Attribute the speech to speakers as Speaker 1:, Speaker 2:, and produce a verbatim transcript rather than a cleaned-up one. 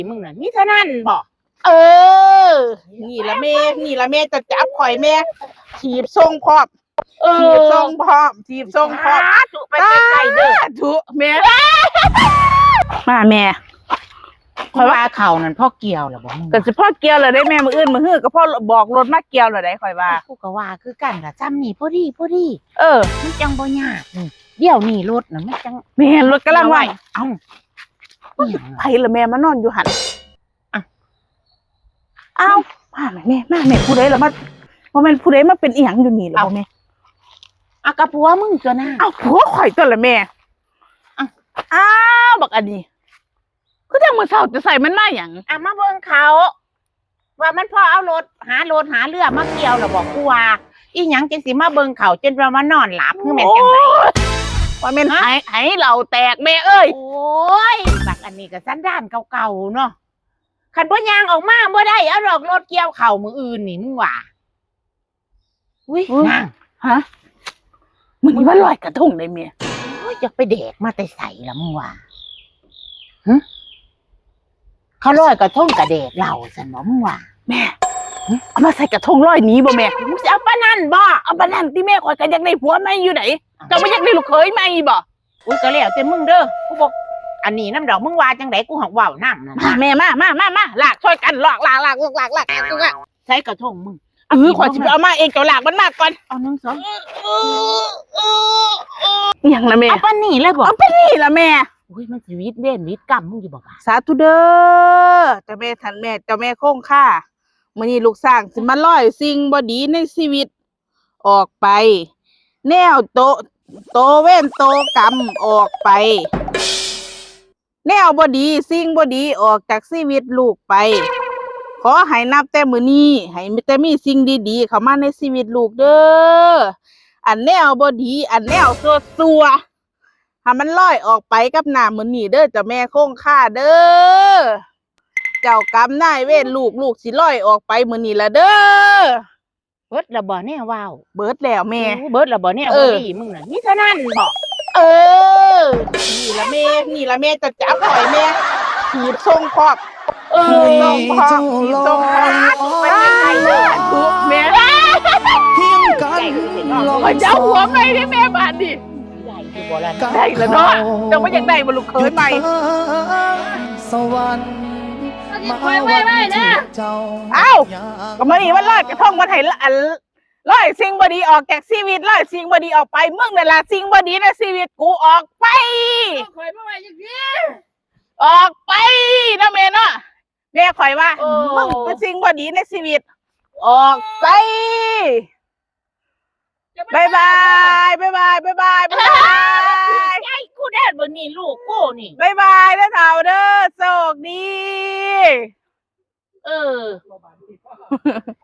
Speaker 1: มึงน่ะนี่เท่านั้นบอกเออนี่ละแม่นี่ละแม่จะจับข่อยแม่ถีบทรงพร้อมถีบทรงพร้อมถีบทรงพร้อมไปไกลๆเด้อถูแม่มาแม่เพราะว่าเขานั่นพ่อเกี่ยวหรอบอกแต่สิพ่อเกี่ยวเลยได้แม่มืออื่นมือฮื้อก็พ่อบอกรถมาเกี่ยวเลยได้ข่อยว่ากูก็ว่าคือกันล่ะจำนี่พอดีพอดีเออมันจังบ่ยากเดี๋ยวนี้รถน่ะมันจังแม่รถกำลังว่าเอ้าไผละแม่มานอนอยู่หันอ้าวมาแม่มาแม่ผู้ใดล่ะมาบ่แม่นผู้ใดมาเป็นอีหยังอยู่นี่ล่ะบ่แม่อ่ะกะผัวมึงตัวน่ะอ้าวผัวข่อยตัวละแม่อ้าวบักอันนี้คือจังมื้อเช้าจะใส่มันมาหยังอ่ะมาเบิ่งเขาว่ามันพอเอารถหารถหาเรือมาเกี่ยวแล้วบอกกูว่าอีหยังจังสิมาเบิ่งเขาจนว่ามานอนหลับคือแม่นจังได๋ว่าแม่นให้ให้เราแตกแม่เอ้ยโอ้ยบักอันนี้ก็สันดานเก่าๆเนาะคันบ่ยางออกมาบ่ได้เอาดอกรถเกี่ยวเข่ามืออื่นนี่มึงว่าอุ้ยนางฮะมึงว่าลอยกระทงได้เมียโอ้ยอยากไปแดกมาแต่ใส่ละมึงว่าฮะเขาลอยกระทงกระแดกเหล่าซั่นบ่มึงว่าแม่เอามาใส่กระทงลอยหนีบ่แม่มึงสิเอาปานนั้นบ่เอาปานนั้นที่แม่ข่อยก็อยากได้ผัวใหม่อยู่ไหนเจ้าบ่อยากได้ลูกเขยใหม่บ่อุ้ยก็แล้วแต่มึงเด้อกูบอกอันนี้น้ำดอกมึงว่าจังไดกูหักว่าวน้ำนะแม่มามามามาลากช่วยกันลากลากลากลากลากลากลากใช้กระทงมึงเออขอจิบเอามาเองเจ้าลากมันมากก่อนเอาหนึ่งสองอย่างละแม่เอาปนนี่เลยบอกเอาปนนี่ละแม่อุ้ยมันชีวิตเด่นวิตกรรมมึงอยู่บอกสาธุเด้อเจ้าแม่ท่านแม่เจ้าแม่คงค่ามื้อนี้ลูกสร้างสิมาล่อยสิ่งบ่ดีในชีวิตออกไปแนวโตโตเว้นโตกรรมออกไปแนวบ่ดีสิ่งบ่ดีออกจากชีวิตลูกไปขอให้นับแต่มื้อนี้ให้มีแต่มีสิ่งดีๆเข้ามาในชีวิตลูกเด้ออันแนวบ่ดีอันแนวซัวๆให้มันลอยออกไปกับหน้ามื้อนี้เด้อเจ้าแม่คงค่าเด้อเจ้ากรรมนายเวรลูกลูกสิลอยออกไปมื้อนี้ละเด้อเบิดละบ่แน่ว้าวเบิดแล้วแม่เบิดละบ่แน่บ่ดีมึงน่ะนี่เท่านั้นบ่เออนี่ละแม่นี่ละแม่จะจับข่อยแม่ถีบทรงพร้อมเออทรงพร้อมถีบทรงพร้อมไปไกลๆเลยถูกแม่เพียงกันข่อยจะเอาหัวไปให้แม่บาดดิได้แล้วเนาะจังว่าอยากได้บ่ลูกเขยใหม่
Speaker 2: สวรรค์มาไว้ไว้นะ
Speaker 1: เอ้าก็มานี่มันลอยกระทงมาให้อันลอยสิ่งบดีออกจากชีวิตลอยสิ่งบดีออกไปมึงนั่นล่ะสิ่งบดีในชีวิตกูออกไป
Speaker 2: ข่อยมาไว้จังซี่
Speaker 1: ออกไปนะแม่เนาะแม่ข่อยว่ามึงเป็นสิ่งบดีในชีวิตออกไปบายบายบายบายบายบายบายไอ้กูแดดบนนี่ลูกกูนี่บายบายนะเฒ่าเด้อโชคดีเออ